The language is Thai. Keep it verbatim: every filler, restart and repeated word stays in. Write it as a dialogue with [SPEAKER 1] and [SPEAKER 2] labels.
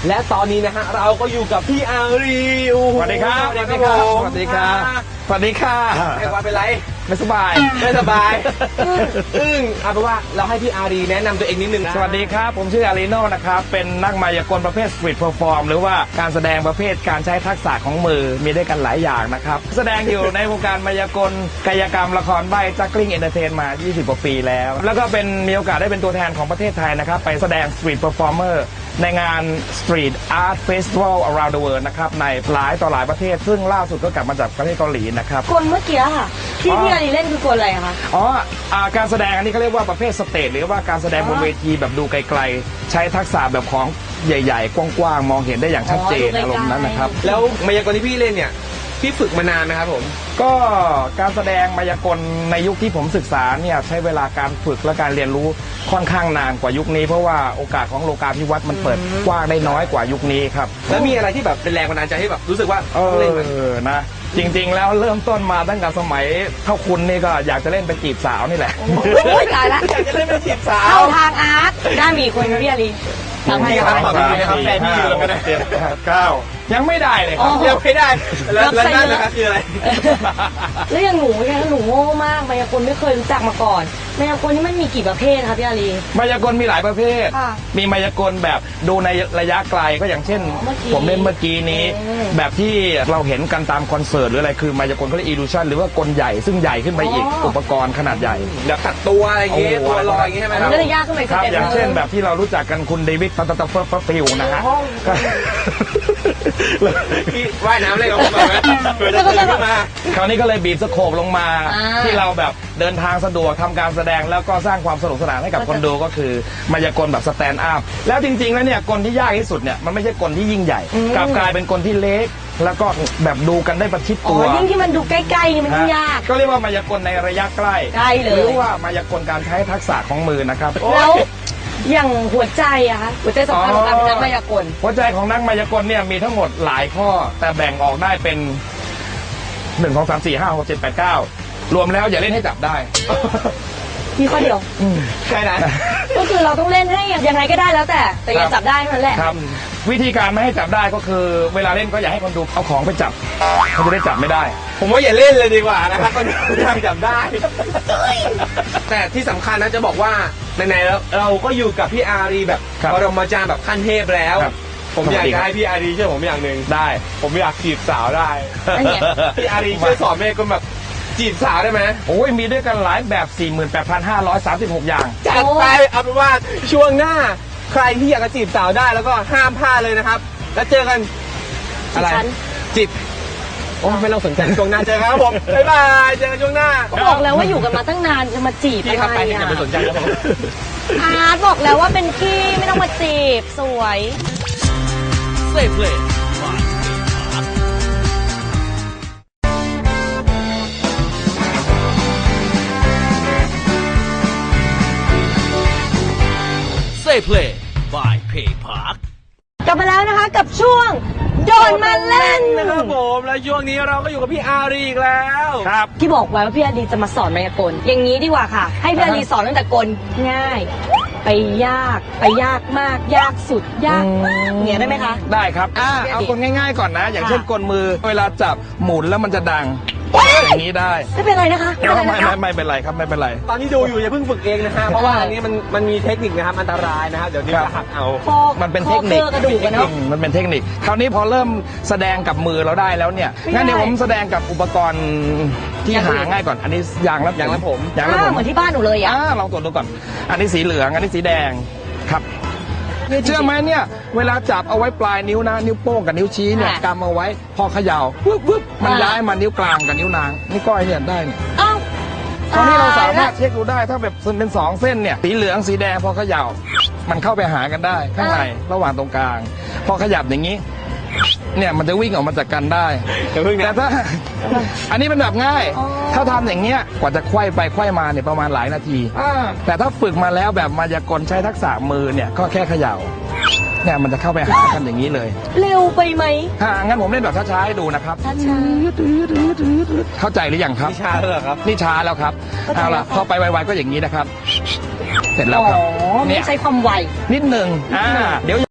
[SPEAKER 1] และตอนนี้นะฮะเราก็อยู่กับพี่อารี
[SPEAKER 2] สวัสดีครับ
[SPEAKER 1] สวัสดีครับ
[SPEAKER 2] สวัสดีครับสวัสดีค่ะ
[SPEAKER 1] ไอ้ว่าเป็นไร
[SPEAKER 2] ไม่สบาย
[SPEAKER 1] ไม่สบายอึ้งเอาเป็นว่าเราให้พี่อารีแนะนำตัวเองนิดนึงนะ
[SPEAKER 2] สวัสดีครับผมชื่ออารีโน่นะครับเป็นนักมายากลประเภทสตรีทเพอร์ฟอร์มหรือว่าการแสดงประเภทการใช้ทักษะของมือมีด้วยกันหลายอย่างนะครับแสดงอยู่ในวงการมายากลกายกรรมละครใบ้จักกลิ้งเอนเตอร์เทนมายี่สิบกว่าปีแล้วแล้วก็เป็นมีโอกาสได้เป็นตัวแทนของประเทศไทยนะครับไปแสดงสตรีทเพอร์ฟอร์เมอร์ในงาน Street Art Festival around the world นะครับในหลายต่อหลายประเทศซึ่งล่าสุดก็กลับมาจากประเทศเกาหลีนะครับ
[SPEAKER 3] กลเมื่อกี้ค่ะที่พี่อารีเล่นคือกลอะไรคะ
[SPEAKER 2] อ๋อการแสดงอันนี้เขาเรียกว่าประเภทสเตจหรือว่าการแสดงบนเวทีแบบดูไกลๆใช้ทักษะแบบของใหญ่ๆกว้างๆมองเห็นได้อย่างชัดเจนอารมณ์นั้นนะครับ
[SPEAKER 1] แล้วมายากลที่พี่เล่นเนี่ยพี่ฝึกมานานนะครับผม
[SPEAKER 2] ก็การแสดงมายากลในยุคที่ผมศึกษาเนี่ยใช้เวลาการฝึกและการเรียนรู้ค่อนข้างนานกว่ายุคนี้เพราะว่าโอกาสของโลกาภิวัตน์มันเปิดกว้างได้น้อยกว่ายุคนี้ครับ
[SPEAKER 1] แล้วมีอะไรที่แบบเป็นแรงบันดาลใจให้แบบรู้สึกว่า
[SPEAKER 2] เออนะจริงๆแล้วเริ่มต้นมาตั้งแต่สมัยเท่าคุณนี่ก็อยากจะเล่นไปจีบสาวนี่แหละ
[SPEAKER 3] โอ้ยตายละ
[SPEAKER 1] อยากจะเล่นไปจีบสาว
[SPEAKER 3] เข้าทางอาร์ตได้มีคนพี่อารี
[SPEAKER 1] ทำให้ครับทำให้ครับแฟนพี่อยู่ก็ได้
[SPEAKER 2] เก้ายังไม่ได้เลยครับ
[SPEAKER 1] ยังไม่ได้แล้วนั่นนะครับคืออะไร
[SPEAKER 3] แล้วอย่างหนูเนี่ยหนูโง่มากมายากลไม่เคยรู้จักมาก่อนมายากลนี่มันมีกี่ประเภทครับพี่อารี
[SPEAKER 2] มายากลมีหลายประเภทมีมายากลแบบดูในระยะไกลก็อย่างเช่นผมเล่นเมื่อกี้นี้แบบที่เราเห็นกันตามคอนเสิร์ตหรืออะไรคือมายากลเขาเรียก illusion หรือว่ากลใหญ่ซึ่งใหญ่ขึ้นไปอีกอุปกรณ์ขนาดใหญ่
[SPEAKER 1] แบบตัดตัวอะไรอย่างเงี้ยตัวลอยอย่างเงี้ยใช่ไหม
[SPEAKER 3] ครับก็จะยากขึ้นไป
[SPEAKER 2] ครับอย่างเช่นแบบที่เรารู้จักกันคุณเดวิดฟัตตัฟเฟอร์ฟิลนะฮะ
[SPEAKER 1] พี่ว่ายน้ำเลยกับผมไหมเพื่อจะตื่นขึ้นมา
[SPEAKER 2] คราวนี้ก็เลยบีบสโคปลงมาที่เราแบบเดินทางสะดวกทำการแสดงแล้วก็สร้างความสนุกสนานให้กับคนดูก็คือมายากลแบบสแตนด์อัพแล้วจริงๆแล้วเนี่ยกลที่ยากที่สุดเนี่ยมันไม่ใช่กลที่ยิ่งใหญ่กลับกลายเป็นกลที่เล็กแล้วก็แบบดูกันได้ประชิดตัว
[SPEAKER 3] ยิ่งที่มันดูใกล้ๆนี่มันยิ่งยาก
[SPEAKER 2] ก็เรียกว่ามายากลในระยะใกล้หรือว่ามายากลการใช้ทักษะของมือนะครับ
[SPEAKER 3] แล้วอย่างหัวใจอะคะหัวใจสำคัญของการเป็นนักมายากล
[SPEAKER 2] หัวใจของนักมายากลเนี่ยมีทั้งหมดหลายข้อแต่แบ่งออกได้เป็นหนึ่งสองสามสี่ห้าหกเจ็ดแปดเก้ารวมแล้วอย่าเล่นให้จับได้
[SPEAKER 3] มีข้อเดียว
[SPEAKER 1] ใช่นะ
[SPEAKER 3] ก็คือเราต้องเล่นให้ยังไงก็ได้แล้วแต่แต่อย่าจับได้เท่านั้นแหละ
[SPEAKER 2] ครับวิธีการไม่ให้จับได้ก็คือเวลาเล่นก็อย่าให้คนดูเอาของไปจับเขาจะได้จับไม่ได้
[SPEAKER 1] ผมว่าอย่าเล่นเลยดีกว่านะครับคนดูทางจับได้แต่ที่สำคัญนะจะบอกว่าในๆแล้วเราก็อยู่กับพี่อารีแบบปรมาจารย์แบบขั้นเทพแล้วผมอยากจะให้พี่อารีช่วยผมอย่างหนึ่ง
[SPEAKER 2] ได้
[SPEAKER 1] ผมอยากจีบสาวได้พี่อารีช่วยสอนเมย์คนแบบจีบสาวได้ไหม
[SPEAKER 2] โอ้ยมีด้วยกันหลายแบบ สี่หมื่นแปดพันห้าร้อยสามสิบหก อย่าง
[SPEAKER 1] จัดไปเอาเป็นว่าช่วงหน้าใครที่อยากจะจีบสาวได้แล้วก็ห้ามพลาดเลยนะครับแล้วเจอกันอะไรจีบโอ้ไม่ต้องสนใจช่วงหน้าเจอกันครับผมบ๊ายบายเจอกันช่วงหน้า
[SPEAKER 3] บอกแล้วว่าอยู่กันมาตั้งนานจะมาจีบอะไรอ่ะ
[SPEAKER 1] อย่าไปสนใจครับผม
[SPEAKER 3] อาร์ตบอกแล้วว่าเป็นพี่ไม่ต้องมาจีบสวย
[SPEAKER 4] เซฟเลยPlay by Pay Park
[SPEAKER 3] กลับมาแล้วนะคะกับช่วงโดนมาเล่น
[SPEAKER 1] นะครับผมและช่วงนี้เราก็อยู่กับพี่อารีอีกแล้ว
[SPEAKER 2] ครับ
[SPEAKER 3] ที่บอกไว้ว่าพี่อารีจะมาสอนมายากลอย่างนี้ดีกว่าค่ะให้พี่อารีสอนตั้งแต่กลง่ายไปยากไปยากมากยากสุดยากมากเนี่ยได้ไหมคะ
[SPEAKER 2] ได้ครับอ่าเอากลง่ายๆก่อนนะอย่างเช่นกลมือเวลาจับหมุนแล้วมันจะดังอย่างนี้ได้
[SPEAKER 3] ไม่เป็นไรนะคะ
[SPEAKER 2] ไม่ไม่ไม่เป็นไรครับไม่เป็นไร
[SPEAKER 1] ตอนที่ดูอยู่อย่าเพิ่งฝึกเองนะฮะเพราะว่าอันนี้มันมันมีเทคนิคนะครับอันตรายนะครับเดี๋ยวนี้จะหักเอา
[SPEAKER 2] มันเป็นเทคนิค
[SPEAKER 3] กระดูกเนาะ
[SPEAKER 2] มันเป็นเทคนิคคราวนี้พอเริ่มแสดงกับมือเราได้แล้วเนี่ยงั้นเดี๋ยวผมแสดงกับอุปกรณ์ที่หาง่ายก่อนอันนี้ยางแล้ว
[SPEAKER 1] ยางแล้วผม
[SPEAKER 2] ยางแล้วผม
[SPEAKER 3] เหมือนที่บ้านหนูเลยอ่ะ
[SPEAKER 2] ลองตรวจดูก่อนอันนี้สีเหลืองอันนี้สีแดงครับเชื่อไหมเนี่ยเวลาจับเอาไว้ปลายนิ้วนะนิ้วโป้งกับนิ้วชี้เนี่ยกำเอาไว้พอเขย่าปุ๊บปุ๊บมันย้ายมานิ้วกลางกับนิ้วนางนี่ก้อยเนี่ยได้เนี่ย
[SPEAKER 3] อ้าว
[SPEAKER 2] ตอนนี้เราสามารถเช็คดูได้ถ้าแบบเป็นสองเส้นเนี่ยสีเหลืองสีแดงพอเขย่ามันเข้าไปหากันได้ข้างในระหว่างตรงกลางพอขยับอย่างนี้เนี่ยมันจะวิ่งออกมาจากกันได้แต่ถ้าอันนี้เป็นแบบง่ายถ้าทำอย่างเงี้ยกว่าจะไขว้ไปไขว้มาเนี่ยประมาณหลายนาทีแต่ถ้าฝึกมาแล้วแบบมายากลใช้ทักษะมือเนี่ยก็แค่เขย่าเนี่ยมันจะเข้าไปหากันอย่างนี้เลย
[SPEAKER 3] เร็วไปไหม
[SPEAKER 2] ฮะงั้นผมเล่นแบบช้าๆให้ดูนะครับ
[SPEAKER 3] ช้า
[SPEAKER 2] ๆเข้าใจหรือยังครับ
[SPEAKER 1] นี่ช้าแล้วครับ
[SPEAKER 2] นี่ช้าแล้วครับเอาล่ะพอไปไวๆก็อย่างนี้นะครับเสร็จแล้วครับ
[SPEAKER 3] เนี่ยใช้ความไว
[SPEAKER 2] นิดหนึ่งอ่าเดี๋ยว